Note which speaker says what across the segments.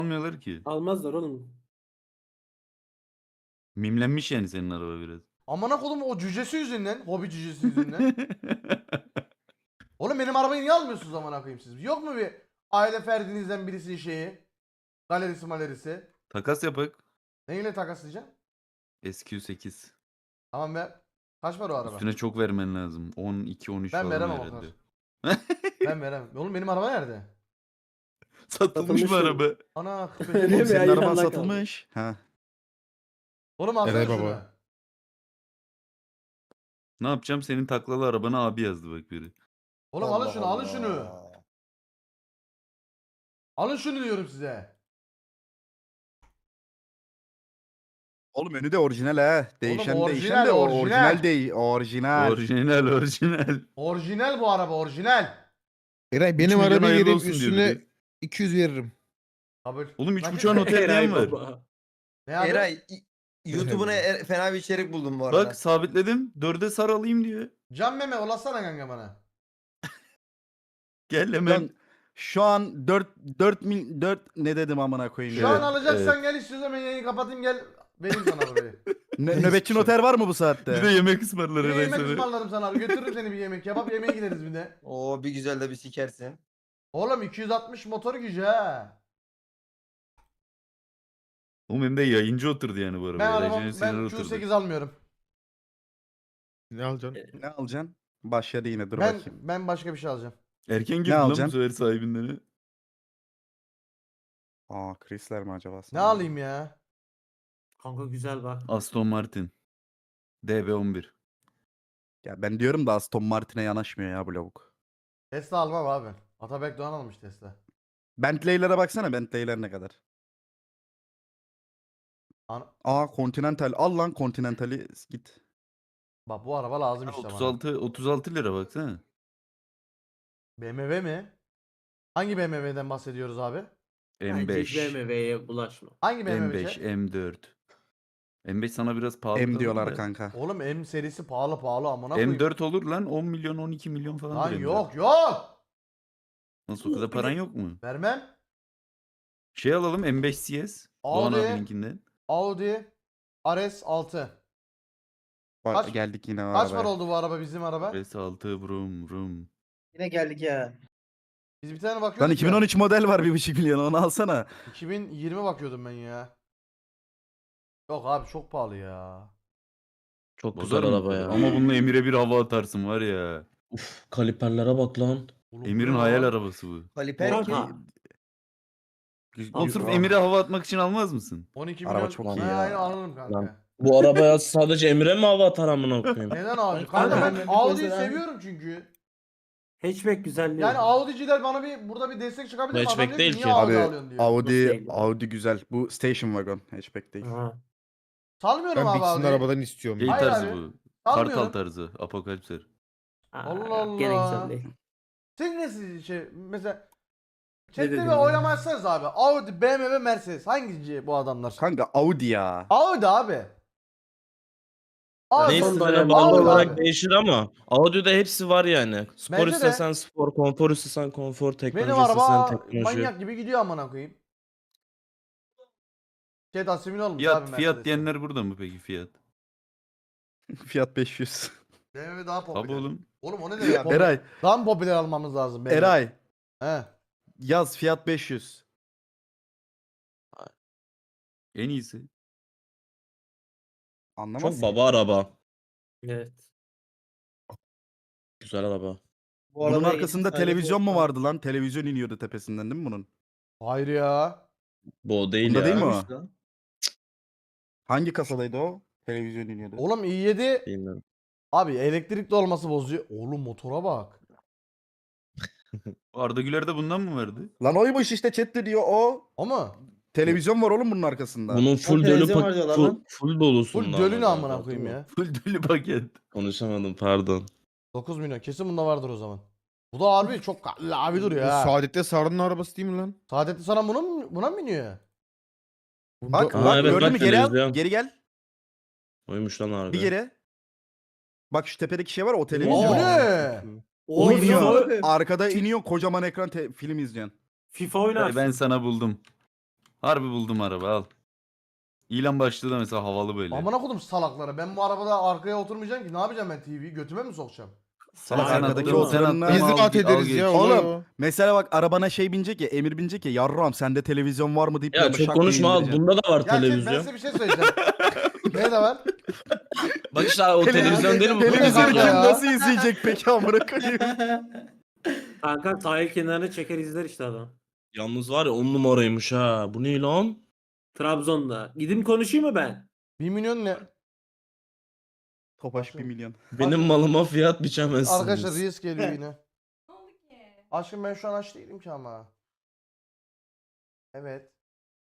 Speaker 1: almıyorlar ki.
Speaker 2: Almazlar oğlum.
Speaker 1: Mimlenmiş yani senin araba biraz.
Speaker 3: Amına kodum o cücesi yüzünden. Hobi cücesi yüzünden. Oğlum benim arabayı niye almıyorsunuz amına koyayım siz? Yok mu bir aile ferdinizden birisinin şeyi? Galerisi malerisi.
Speaker 1: Takas yapak.
Speaker 3: Neyle takaslayacağım?
Speaker 1: SQ8.
Speaker 3: Tamam ver. Kaç para o araba?
Speaker 1: Üstüne çok vermen lazım. 12 13
Speaker 3: Ben
Speaker 1: falan
Speaker 3: veremem o
Speaker 1: herhalde.
Speaker 3: Ben veremem. Oğlum benim araba nerede?
Speaker 1: Satılmış mı
Speaker 2: Satılmış
Speaker 1: araba?
Speaker 3: Ana
Speaker 2: Öyle
Speaker 3: köpek.
Speaker 2: mi?
Speaker 4: Senin
Speaker 2: Ya,
Speaker 4: araban
Speaker 2: yallah kaldı.
Speaker 4: satılmış. Ha.
Speaker 3: Oğlum alsana
Speaker 4: Evet
Speaker 3: şunu.
Speaker 4: baba.
Speaker 1: Ne yapacağım? Senin taklalı arabana abi yazdı bak biri.
Speaker 3: Oğlum alın şunu alın şunu. Alın şunu diyorum size.
Speaker 4: Oğlum önü de orijinal ha. Değişen değişen de
Speaker 3: orijinal.
Speaker 4: orijinal değil. Orijinal.
Speaker 1: Orijinal.
Speaker 3: Orijinal bu araba orijinal.
Speaker 5: Eray
Speaker 1: 3
Speaker 5: benim
Speaker 1: milyon
Speaker 5: arabayı
Speaker 1: hayırlı
Speaker 5: vereyim
Speaker 1: olsun diyor
Speaker 5: üstüne
Speaker 1: biri.
Speaker 5: 200 veririm.
Speaker 3: Kabul.
Speaker 1: Oğlum
Speaker 3: Nakit
Speaker 1: 3.5'a
Speaker 3: mi?
Speaker 1: noter diyen var.
Speaker 2: baba.
Speaker 3: Ne abi?
Speaker 6: Eray YouTube'una fena bir içerik buldum bu arada.
Speaker 1: Bak sabitledim. 4'e sar alayım diyor.
Speaker 3: Can meme ulaşsana kanka bana.
Speaker 1: Gel hemen.
Speaker 4: Şu an 4 ne dedim amına koyayım
Speaker 3: Şu
Speaker 4: ya.
Speaker 3: an alacaksan gel istiyorsan ben yayını kapatayım gel. Vereyim sana arabayı.
Speaker 4: Nöbetçi noter var mı bu saatte?
Speaker 1: Bir de yemek ısmarlar
Speaker 3: Bir
Speaker 1: Eray
Speaker 3: yemek
Speaker 1: sana.
Speaker 3: ısmarlarım sana abi. Götürürüm seni bir yemek. Kebap yemeğe gideriz bir de.
Speaker 6: Oo bir güzel de bir sikersin.
Speaker 3: Oğlum 260 motor gücü ha.
Speaker 1: Oğlum hem de yayıncı oturdu yani bu araba.
Speaker 3: Ben
Speaker 1: Eray
Speaker 3: arabam
Speaker 1: Cennet
Speaker 3: ben
Speaker 1: Siner oturdu.
Speaker 3: Q8 almıyorum.
Speaker 5: Ne alacaksın?
Speaker 4: Ne alacaksın? Başladı yine dur
Speaker 3: Ben
Speaker 4: bakayım.
Speaker 3: ben başka bir şey alacağım.
Speaker 1: Erken girdi lan bu
Speaker 4: alacaksın?
Speaker 1: sefer sahibinden.
Speaker 4: Aa Chrysler mi acaba?
Speaker 3: Ne
Speaker 4: sana?
Speaker 3: alayım ya?
Speaker 2: Kanka güzel bak.
Speaker 1: Aston Martin. DB11.
Speaker 4: Ya ben diyorum da Aston Martin'e yanaşmıyor ya bu lavuk.
Speaker 3: Tesla almam abi. Atabek Doğan almış Tesla.
Speaker 4: Bentley'lere baksana Bentley'ler ne kadar. Aa Continental al lan Continental'i git.
Speaker 3: Bak bu araba lazım işte bana.
Speaker 1: 36 lira baksana.
Speaker 3: BMW mi? Hangi BMW'den bahsediyoruz abi?
Speaker 2: Bence hiç
Speaker 1: M5.
Speaker 2: BMW'ye bulaşma.
Speaker 3: Hangi BMW?
Speaker 1: M5,
Speaker 3: şey?
Speaker 1: M4. M5 sana biraz pahalı
Speaker 4: M
Speaker 1: kalır
Speaker 4: diyorlar
Speaker 1: da.
Speaker 4: kanka.
Speaker 3: Oğlum M serisi pahalı amına koyayım.
Speaker 1: M4 olur lan 10 milyon 12 milyon falan.
Speaker 3: Lan yok.
Speaker 1: Nasıl o kadar paran yok mu?
Speaker 3: Vermem.
Speaker 1: Şey alalım M5 CS. Doğan
Speaker 3: Audi.
Speaker 1: abininkinden.
Speaker 3: Audi RS6.
Speaker 4: Bak,
Speaker 3: Kaç-
Speaker 4: geldik yine o
Speaker 3: Kaç
Speaker 4: arabaya.
Speaker 3: para oldu bu araba bizim araba?
Speaker 1: S6 brum brum.
Speaker 6: Yine geldik ya.
Speaker 3: Biz bir tane bakıyorduk
Speaker 4: Lan
Speaker 3: ya.
Speaker 4: 2013 model var 1,5 milyon onu alsana.
Speaker 3: 2020 bakıyordum ben ya. Yok abi çok pahalı ya.
Speaker 7: Çok
Speaker 1: Bozar
Speaker 7: güzel
Speaker 1: mı
Speaker 7: araba
Speaker 1: bu
Speaker 7: ya.
Speaker 1: kadar? Ama bununla Emir'e bir hava atarsın var ya.
Speaker 7: Uf, kaliperlere bak lan.
Speaker 3: Oğlum bu
Speaker 1: Emir'in
Speaker 3: ne
Speaker 1: hayal
Speaker 3: lan?
Speaker 1: arabası bu.
Speaker 6: Kaliper ki.
Speaker 2: Kanka.
Speaker 1: Oğlum sırf
Speaker 2: Abi.
Speaker 1: Emir'e hava atmak için almaz mısın?
Speaker 3: 12
Speaker 4: Araba
Speaker 3: milyon.
Speaker 4: çok
Speaker 3: Ha,
Speaker 4: iyi ya.
Speaker 3: aynen alırım kanka.
Speaker 7: Lan. Bu arabaya sadece Emre mi hava atar amına koyayım?
Speaker 3: Neden abi?
Speaker 2: Ay,
Speaker 3: Kanka
Speaker 2: kanka,
Speaker 3: ben
Speaker 2: ben
Speaker 3: Audi'yi
Speaker 2: mesela-
Speaker 3: seviyorum çünkü.
Speaker 2: Hatchback güzel değil.
Speaker 3: Yani Audi'ciler bana bir burada bir destek çıkabilir mi? Adam
Speaker 7: Hatchback
Speaker 3: diyor
Speaker 7: değil
Speaker 3: niye
Speaker 7: ki.
Speaker 3: Audi
Speaker 4: Abi
Speaker 3: alıyorsun diyor.
Speaker 2: Nasıl değil?
Speaker 4: Audi güzel. Bu station wagon hatchback değil.
Speaker 2: Aha.
Speaker 3: Salmıyorum
Speaker 5: Ben
Speaker 3: abi
Speaker 5: Bix'in
Speaker 3: Audi'yi.
Speaker 5: arabadan istiyorum.
Speaker 1: Şey
Speaker 5: ya.
Speaker 3: Hayır
Speaker 1: tarzı
Speaker 3: abi.
Speaker 1: bu.
Speaker 3: Salmıyorum.
Speaker 1: Kartal tarzı. Apokalipser.
Speaker 3: Allah
Speaker 2: Gene
Speaker 3: Allah.
Speaker 2: güzel değil.
Speaker 3: Sen nasıl şey mesela
Speaker 2: Ne
Speaker 3: chatte
Speaker 2: dedin
Speaker 3: bir
Speaker 2: ya?
Speaker 3: oylama açsanız abi. Audi, BMW, Mercedes. Hangisi bu adamlar?
Speaker 4: Kanka Audi ya.
Speaker 3: Audi abi. Audi.
Speaker 2: Son
Speaker 7: Neyse
Speaker 2: dönem
Speaker 7: bağlı
Speaker 3: Audi
Speaker 7: olarak
Speaker 3: abi.
Speaker 7: değişir ama Audi'de hepsi var yani. Spor
Speaker 3: Bence de.
Speaker 7: istesen spor, konfor istesen konfor,
Speaker 3: Benim
Speaker 7: teknoloji istesen
Speaker 3: araba
Speaker 7: teknoloji.
Speaker 3: manyak gibi gidiyor amına koyayım. Chat asimile olmuş abi
Speaker 1: Fiyat,
Speaker 3: Mercedes'e.
Speaker 1: fiyat diyenler burada mı peki fiyat?
Speaker 4: Fiyat 500.
Speaker 3: BMW daha popüler.
Speaker 1: Tabi oğlum.
Speaker 3: Oğlum o ne demek ya?
Speaker 4: Eray.
Speaker 3: Daha mı popüler almamız lazım BMW?
Speaker 4: Eray.
Speaker 3: He.
Speaker 4: Yaz fiyat 500.
Speaker 1: En iyisi.
Speaker 4: Anlamazsın.
Speaker 7: Çok baba araba.
Speaker 2: Evet.
Speaker 7: Güzel araba.
Speaker 4: Bunun arkasında televizyon mu vardı lan? Televizyon iniyordu tepesinden değil mi bunun?
Speaker 3: Hayır ya.
Speaker 7: Bu o değil
Speaker 4: Bunda
Speaker 7: ya.
Speaker 4: değil mi o? Hangi kasadaydı o? Televizyon iniyordu.
Speaker 3: Oğlum i7
Speaker 7: Bilmiyorum.
Speaker 3: abi elektrikli olması bozuyor. Oğlum motora bak.
Speaker 1: Arda Güler de bundan mı verdi?
Speaker 4: Lan oymuş işte chatte diyor o.
Speaker 3: O mu?
Speaker 4: Televizyon var oğlum bunun arkasında.
Speaker 7: Bunun full dölü
Speaker 6: televizyon var diyorlar lan.
Speaker 7: full dolusun.
Speaker 3: Full dölü ne amına koyayım ya.
Speaker 1: Full deli paket.
Speaker 7: Konuşamadım pardon.
Speaker 3: 9 milyon kesin bunda vardır o zaman. Bu da harbi çok abi duruyor
Speaker 5: Bu
Speaker 3: ha.
Speaker 5: Saadet'te Sarı'nın arabası değil mi lan?
Speaker 3: Saadetli sana buna mı biniyor?
Speaker 4: Bak,
Speaker 7: Aa,
Speaker 4: bak
Speaker 7: evet,
Speaker 4: gördün
Speaker 7: bak
Speaker 4: mü? Geri al.
Speaker 7: televizyon.
Speaker 4: Geri gel.
Speaker 7: Oymuş lan harbi.
Speaker 4: Bir geri. Bak şu tepedeki şey var o
Speaker 3: O
Speaker 4: televizyon.
Speaker 3: ne?
Speaker 4: O
Speaker 2: Oo,
Speaker 4: iniyor.
Speaker 2: FIFA,
Speaker 4: Arkada iniyor kocaman ekran film izleyeceksin.
Speaker 2: FIFA oynarsın.
Speaker 1: Ben sana buldum. Harbi buldum araba al. İlan başlığı da mesela havalı böyle.
Speaker 3: Amına kodum salaklara. Ben bu arabada arkaya oturmayacağım ki. Ne yapacağım ben TV'yi? Götüme mi sokacağım?
Speaker 4: Salak
Speaker 2: Aynen,
Speaker 4: arkadaki
Speaker 2: oğlum.
Speaker 4: oturanlar.
Speaker 1: Tamam,
Speaker 5: Biz
Speaker 1: al,
Speaker 5: rahat
Speaker 1: al
Speaker 5: ederiz
Speaker 1: geç.
Speaker 5: ya.
Speaker 4: Oğlum,
Speaker 5: Oğlum.
Speaker 4: Mesela bak arabana şey binecek ya, Emir binecek ya, yarram sende televizyon var mı deyip
Speaker 7: Ya
Speaker 4: böyle
Speaker 7: çok
Speaker 4: şak diye
Speaker 7: konuşma al.
Speaker 4: indireceksin.
Speaker 7: Bunda da var
Speaker 3: Ya chat, ben
Speaker 7: televizyon.
Speaker 3: size bir şey söyleyeceğim. Ne de var?
Speaker 7: Bak işte o televizyon değil mi? Bu
Speaker 3: Televizyon
Speaker 4: Televizyonu
Speaker 3: kanka
Speaker 4: kim
Speaker 3: ya.
Speaker 4: nasıl izleyecek peki amına koyayım?
Speaker 2: Kanka sahil kenarına çeker izler işte adam.
Speaker 7: Yalnız var ya 10 numaraymış ha. Bu ne lan?
Speaker 2: Trabzon'da. Gidip konuşayım mı ben?
Speaker 3: 1 milyon ne?
Speaker 4: Topaş 1 milyon.
Speaker 7: Benim malıma fiyat biçemezsiniz.
Speaker 3: Arkadaşlar Reels geliyor yine. Aşkım ben şu an aç değilim ki ama. Evet.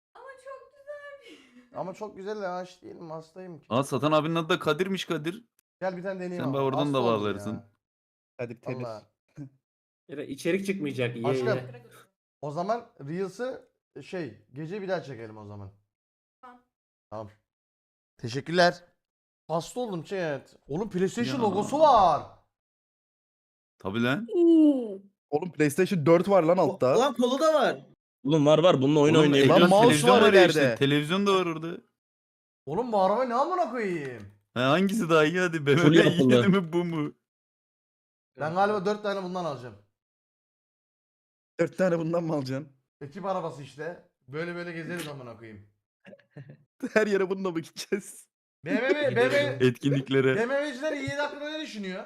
Speaker 3: Ama çok güzel de aç değilim, hastayım ki.
Speaker 1: Aa Satan abinin adı da Kadir'miş Kadir.
Speaker 3: Gel bir tane deneyeyim
Speaker 1: Sen
Speaker 3: ama.
Speaker 1: be oradan
Speaker 3: Hasta
Speaker 1: da
Speaker 3: oldum
Speaker 1: bağlarsın.
Speaker 3: ya.
Speaker 4: Hadi temiz.
Speaker 3: Vallahi.
Speaker 2: İçerik çıkmayacak. Ye
Speaker 3: Aşkım.
Speaker 2: ye.
Speaker 3: O zaman Reels'ı gece bir daha çekelim o zaman. Tamam. Teşekkürler. Hasta oldum chat. Oğlum PlayStation
Speaker 1: Ya.
Speaker 3: logosu var.
Speaker 1: Tabi lan.
Speaker 4: Oğlum PlayStation 4 var lan altta.
Speaker 6: Ulan kolu da var.
Speaker 7: Oğlum var bununla oyun
Speaker 1: Oğlum,
Speaker 7: oynayabiliyorsun.
Speaker 4: Lan mouse
Speaker 1: televizyon
Speaker 4: var
Speaker 1: var ya işte.
Speaker 4: ileride.
Speaker 1: Televizyon da var orada.
Speaker 3: Oğlum bu araba ne amına koyayım?
Speaker 1: Ha, hangisi daha iyi hadi?
Speaker 7: Full
Speaker 1: BMW
Speaker 7: yapılı.
Speaker 1: yedi mi bu mu?
Speaker 3: Ben galiba 4 tane bundan alacağım.
Speaker 4: 4 tane bundan mı alacaksın?
Speaker 3: Ekip arabası işte. Böyle böyle gezeriz amına koyayım.
Speaker 4: Her yere bununla mı gideceğiz?
Speaker 3: BMW
Speaker 1: Etkinliklere.
Speaker 3: BMW'ciler iyi hakkında ne düşünüyor?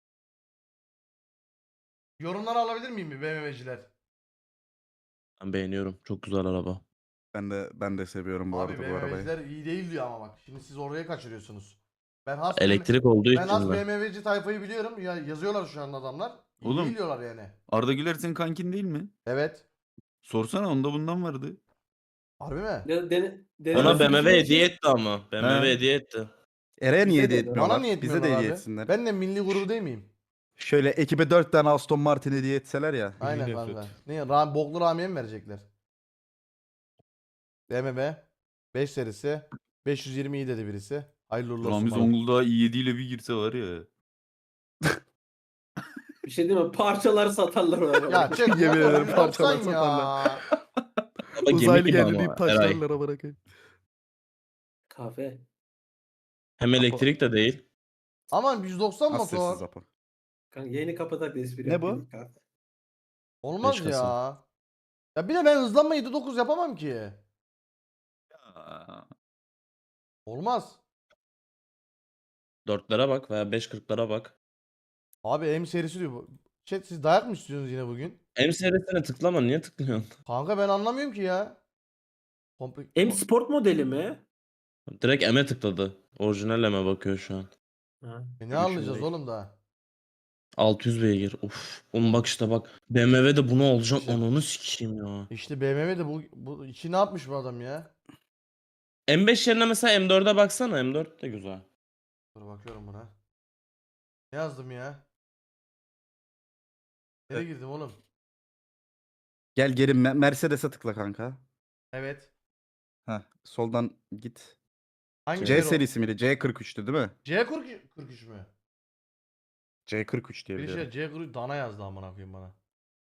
Speaker 3: Yorumları alabilir miyim bir BMW'ciler?
Speaker 7: Ben beğeniyorum. Çok güzel araba.
Speaker 4: Ben de seviyorum bu
Speaker 3: Abi
Speaker 4: arada bu arabayı.
Speaker 3: BMW'ciler iyi değil diyor ama bak. Şimdi siz oraya kaçırıyorsunuz. Ben has
Speaker 7: Elektrik olduğu
Speaker 3: ben
Speaker 7: için
Speaker 3: az
Speaker 7: de.
Speaker 3: BMW'ci tayfayı biliyorum. Ya yazıyorlar şu an adamlar. İyi
Speaker 1: Oğlum.
Speaker 3: değil diyorlar yani.
Speaker 1: Arda Güler senin kankin değil mi?
Speaker 3: Evet.
Speaker 1: Sorsana onda bundan vardı.
Speaker 3: Harbi mi?
Speaker 7: Ona
Speaker 2: Ona
Speaker 7: BMW hediye etti ama. BMW
Speaker 1: He.
Speaker 7: hediye etti.
Speaker 4: Ere'ye niye
Speaker 6: Bize de-
Speaker 4: hediye etmiyorlar?
Speaker 3: Bana niye
Speaker 4: Bize
Speaker 3: etmiyorlar
Speaker 4: de
Speaker 3: abi?
Speaker 4: hediye etsinler.
Speaker 3: Ben de milli gurur değil miyim?
Speaker 4: Şöyle ekibe 4 tane Aston Martin hediye etseler ya.
Speaker 3: Aynen
Speaker 5: nefret.
Speaker 3: kanka. Ne boklu Rami'ye mi verecekler? BMW 5 serisi 520 iyi dedi birisi. Hayırlı uğurlu olsun
Speaker 1: Ramiz
Speaker 3: bana.
Speaker 1: Zonguldak'a i7 ile bir girse var ya.
Speaker 2: Bir şey değil mi? Parçalar satarlar o arabayı.
Speaker 3: Ya çek
Speaker 4: Yemin ederim
Speaker 3: motor
Speaker 4: parçalar
Speaker 3: 190
Speaker 4: satarlar.
Speaker 7: Ama gemi
Speaker 4: Uzaylı
Speaker 7: gibi
Speaker 4: geldi
Speaker 7: ama.
Speaker 4: deyip
Speaker 7: Eray.
Speaker 4: taşlarlar bırakayım.
Speaker 2: Kahve.
Speaker 7: Hem elektrik de değil.
Speaker 3: Aman 190
Speaker 4: Az
Speaker 3: motor.
Speaker 4: sessiz Apo.
Speaker 2: Kanka yayını kapatak da espri
Speaker 4: Ne bu?
Speaker 2: yapayım. Kahve.
Speaker 3: Olmaz
Speaker 7: 5
Speaker 3: ya.
Speaker 7: Kasım.
Speaker 3: Ya bir de ben hızlanma 7.9 yapamam ki.
Speaker 1: Aa,
Speaker 3: Olmaz.
Speaker 7: 4'lere bak veya 5.40'lara bak.
Speaker 3: Abi M serisi diyor bu. Chat siz dayak mı istiyorsunuz yine bugün?
Speaker 7: M serisine tıklama. Niye tıklıyorsun?
Speaker 3: Kanka ben anlamıyorum ki ya.
Speaker 2: M Sport modeli mi?
Speaker 7: Direkt M'e tıkladı. Orijinal M'e bakıyor şu an.
Speaker 2: Ha.
Speaker 3: Ne anlayacağız
Speaker 2: Düşünmeyin.
Speaker 3: oğlum daha?
Speaker 7: 600 beygir. Of. Oğlum bak işte bak. BMW'de bunu alacağım.
Speaker 3: İşte-
Speaker 7: Ananı sikeyim ya.
Speaker 3: İşte BMW de bu içi ne yapmış bu adam ya?
Speaker 7: M5 yerine mesela M4'e baksana. M4 de güzel.
Speaker 3: Dur bakıyorum buna. Ne yazdım ya? Nereye girdim oğlum?
Speaker 4: Gel geri Mercedes'e tıkla kanka.
Speaker 3: Evet.
Speaker 4: Heh, soldan git.
Speaker 3: Hangi
Speaker 4: C
Speaker 3: seri o?
Speaker 4: serisi miydi? C43'tü değil mi?
Speaker 3: C43 mü?
Speaker 4: C43 diye
Speaker 3: Bir
Speaker 4: biliyorum.
Speaker 3: şey C43 dana yazdı amına koyayım bana.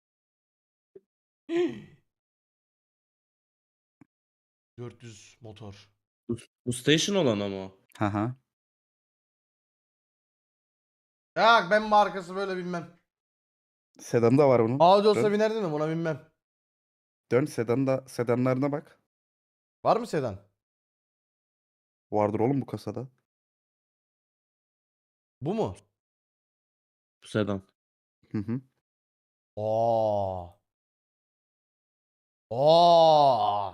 Speaker 3: ...400 motor.
Speaker 7: Bu station olan ama.
Speaker 4: Haha.
Speaker 3: Ya ben markası böyle bilmem.
Speaker 4: Sedanı da var bunun.
Speaker 3: Audi olsa
Speaker 4: Dön.
Speaker 3: binerdin mi buna bilmem.
Speaker 4: Dön sedanlarına bak.
Speaker 3: Var mı sedan?
Speaker 4: Vardır oğlum bu kasada.
Speaker 3: Bu mu?
Speaker 7: Bu sedan.
Speaker 4: Hı hı.
Speaker 3: Aa. Aa.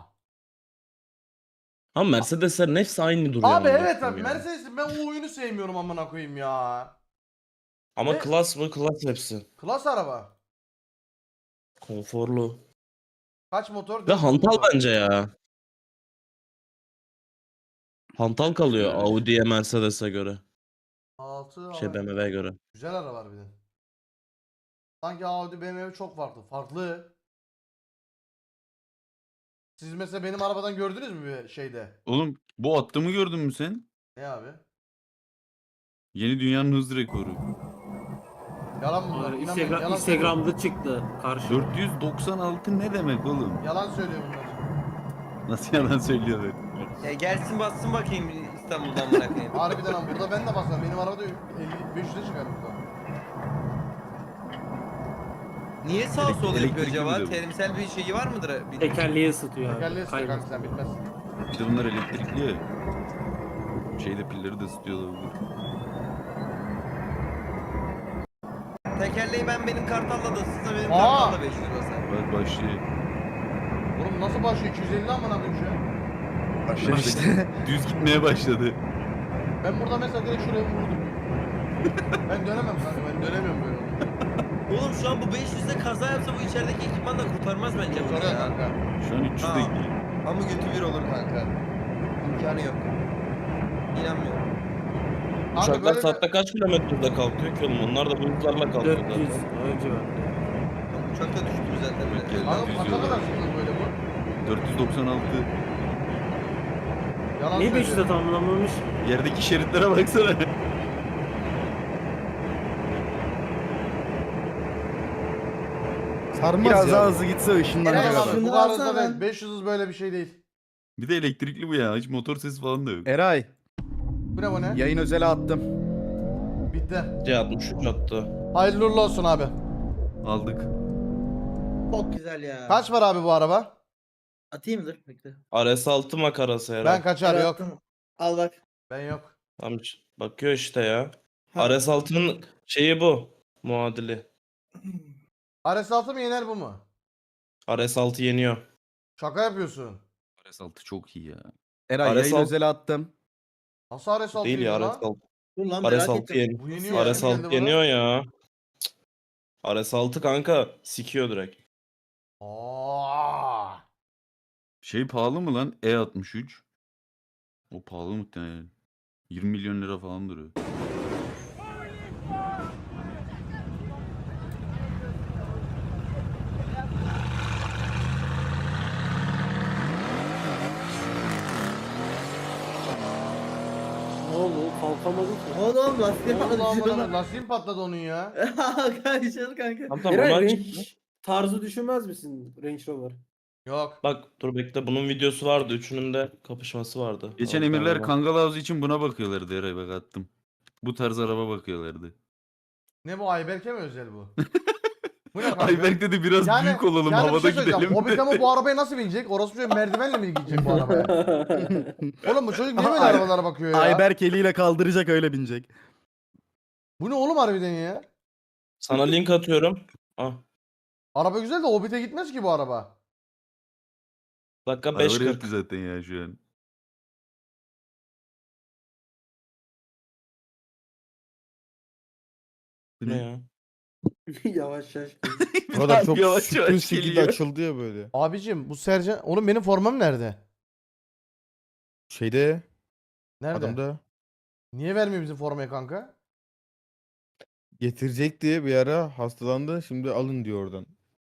Speaker 7: Ama Mercedeslerin hepsi aynı duruyor.
Speaker 3: Abi
Speaker 7: amına
Speaker 3: evet abi
Speaker 7: koyayım ya.
Speaker 3: Mercedes'in ben o oyunu sevmiyorum amına koyayım ya.
Speaker 7: Ama
Speaker 3: Ne?
Speaker 7: klas mı? Klas hepsi.
Speaker 3: Klas araba.
Speaker 7: Konforlu.
Speaker 3: Kaç motor?
Speaker 7: Ve
Speaker 3: 400
Speaker 7: hantal
Speaker 3: motor.
Speaker 7: bence ya. Hantal kalıyor
Speaker 1: Evet.
Speaker 7: Audi'ye Mercedes'e göre.
Speaker 3: 6
Speaker 7: Şey BMW'ye göre.
Speaker 3: Güzel arabalar bir de. Sanki Audi BMW çok farklı. Farklı. Siz mesela benim arabadan gördünüz mü bir şeyde?
Speaker 1: Oğlum bu attığımı gördün mü sen?
Speaker 3: Ne abi?
Speaker 1: Yeni dünyanın hız rekoru.
Speaker 3: Yalan bunlar. İnanmayın. Yalan söylüyor.
Speaker 2: Instagram'da çıktı. Karşı.
Speaker 1: 496 ne demek oğlum?
Speaker 3: Yalan söylüyor bunlar.
Speaker 1: Nasıl yalan söylüyor böyle?
Speaker 6: Gelsin bassın bakayım İstanbul'dan bırakayım.
Speaker 3: Harbiden lan burada ben de basarım. Benim arabada 500'e çıkar burada.
Speaker 6: Niye sağ sol yapıyor
Speaker 1: Elektrikli
Speaker 6: acaba?
Speaker 1: bir de bu.
Speaker 6: Terimsel bir şeyi var mıdır?
Speaker 2: Tekerleği ısıtıyor abi.
Speaker 3: Tekerleği sıkıyor kanka
Speaker 2: Kaymasın.
Speaker 3: sen bilmez.
Speaker 1: Bir de bunlar elektrikli ya. Şeyde pilleri de ısıtıyorlar.
Speaker 6: Tekerleği benim Kartal'la da ısıtsa benim
Speaker 3: Aa!
Speaker 6: Kartal'la 500 basar.
Speaker 1: Bak başlıyor.
Speaker 3: Oğlum nasıl başlıyor? 250 amına koyayım şu an.
Speaker 4: Başlar işte.
Speaker 1: Düz gitmeye başladı.
Speaker 3: Ben burada mesela direkt şuraya vurdum. Ben dönemem kanka ben dönemiyorum böyle.
Speaker 6: Oğlum şu an bu 500'de kaza yapsa bu içerideki ekipman da kurtarmaz bence bunu
Speaker 3: Soruyor
Speaker 6: ya.
Speaker 3: kanka.
Speaker 1: Şu an 300'de
Speaker 6: Aa.
Speaker 1: gidiyor.
Speaker 6: Ama götü bir olur kanka. İmkanı yok. İnanmıyorum.
Speaker 3: Kanka
Speaker 7: Uçaklar
Speaker 3: böyle
Speaker 7: saatte kaç kilometrede kalkıyor ki oğlum? Onlar da bu hızlarla kalkıyor
Speaker 2: 400
Speaker 7: zaten.
Speaker 2: önce var.
Speaker 6: Uçak da düştü zaten böyle.
Speaker 3: Kanka
Speaker 1: Düz
Speaker 3: kaça
Speaker 1: yollar.
Speaker 3: kadar çıktı böyle bu?
Speaker 1: 496.
Speaker 3: Yalan
Speaker 2: Niye
Speaker 3: söylüyor.
Speaker 2: 500'e tamamlanmamış?
Speaker 1: Yerdeki şeritlere baksana.
Speaker 5: Sarmaz
Speaker 4: Biraz
Speaker 5: ya.
Speaker 4: daha hızlı gitse
Speaker 3: Helal
Speaker 4: ışınlanacak
Speaker 3: abi,
Speaker 4: adam.
Speaker 6: şunu
Speaker 3: bu arada
Speaker 6: alsana
Speaker 3: değil.
Speaker 6: lan.
Speaker 3: 500 hız böyle bir şey değil.
Speaker 1: Bir de elektrikli bu ya. Hiç motor sesi falan da yok.
Speaker 4: Eray,
Speaker 3: Bu ne bu ne?
Speaker 4: yayın özele attım.
Speaker 3: Bitti.
Speaker 7: C63 attı.
Speaker 3: Hayırlı uğurlu olsun abi.
Speaker 1: Aldık.
Speaker 6: Çok güzel ya.
Speaker 3: Kaç var abi bu araba?
Speaker 6: Atayım mı? Dur bekle.
Speaker 7: RS6 makarası herhalde.
Speaker 3: Ben kaçar yok.
Speaker 6: Al bak.
Speaker 3: Ben yok.
Speaker 7: Tam bakıyor işte ya.
Speaker 6: Ha.
Speaker 7: RS6'nın şeyi bu. Muadili.
Speaker 3: RS6 mı yener bu mu?
Speaker 7: RS6 yeniyor.
Speaker 3: Şaka yapıyorsun.
Speaker 1: RS6 çok iyi ya.
Speaker 4: Eray,
Speaker 7: RS6
Speaker 4: yayın özele attım.
Speaker 3: Nasıl RS6
Speaker 7: Değil ya
Speaker 3: yeniyor lan?
Speaker 7: RS6.
Speaker 6: Dur lan merak
Speaker 7: RS6
Speaker 6: ettim.
Speaker 7: yeniyor.
Speaker 3: Bu yeniyor. Kim geldi
Speaker 7: RS6
Speaker 3: buna?
Speaker 7: yeniyor ya. Cık. RS6 kanka sikiyor direkt.
Speaker 3: Aa.
Speaker 1: Şey pahalı mı lan? E63. O pahalı muhtemelen. 20 milyon lira falan duruyor.
Speaker 2: Ne oldu? Kalkamadı ki.
Speaker 6: Oğlum lastiğe
Speaker 3: Oğlum lan
Speaker 6: patladı.
Speaker 3: bana lastiğim patladı onun ya.
Speaker 6: Kanka kanka.
Speaker 7: Tamam
Speaker 2: Eray,
Speaker 7: onlar
Speaker 2: Range
Speaker 7: çıktı.
Speaker 2: tarzı düşünmez misin Range Rover?
Speaker 3: Yok.
Speaker 7: Bak dur bekle bunun videosu vardı. Üçünün de kapışması vardı.
Speaker 1: Geçen
Speaker 7: Al,
Speaker 1: emirler
Speaker 7: galiba.
Speaker 1: Kangal Havzu için buna bakıyorlardı Eray bak attım. Bu tarz araba bakıyorlardı.
Speaker 3: Ne bu Ayberk'e mi özel bu? Bu ne kanka?
Speaker 1: Ayberk dedi biraz büyük olalım
Speaker 3: bir
Speaker 1: havada
Speaker 3: şey söyleyeceğim.
Speaker 1: gidelim.
Speaker 3: Hobbit ama bu arabaya nasıl binecek? Orası şöyle merdivenle mi gidecek bu arabaya? Oğlum bu çocuk niye böyle
Speaker 4: Ay-
Speaker 3: arabalara bakıyor ya?
Speaker 4: Ayberk eliyle kaldıracak öyle binecek.
Speaker 3: Bu ne oğlum harbiden ya?
Speaker 7: Sana link atıyorum. Ah.
Speaker 3: Araba güzel de Hobbit'e gitmez ki bu araba.
Speaker 7: Dakika
Speaker 1: Araba
Speaker 7: 5.40.
Speaker 1: yok zaten ya şu an. Bu
Speaker 7: Ne
Speaker 1: ne?
Speaker 7: ya?
Speaker 2: Yavaş yavaş.
Speaker 5: O kadar çok
Speaker 1: Yavaş
Speaker 5: sütün
Speaker 1: yavaş
Speaker 5: şekilde
Speaker 1: geliyor.
Speaker 5: açıldı ya böyle.
Speaker 3: Abicim bu Sercan... Oğlum benim formam nerede?
Speaker 5: Şeyde
Speaker 3: Nerede?
Speaker 5: adamda
Speaker 3: Niye vermiyor bizim formayı kanka?
Speaker 5: getirecek diye bir ara hastalandı. Şimdi alın diyor oradan.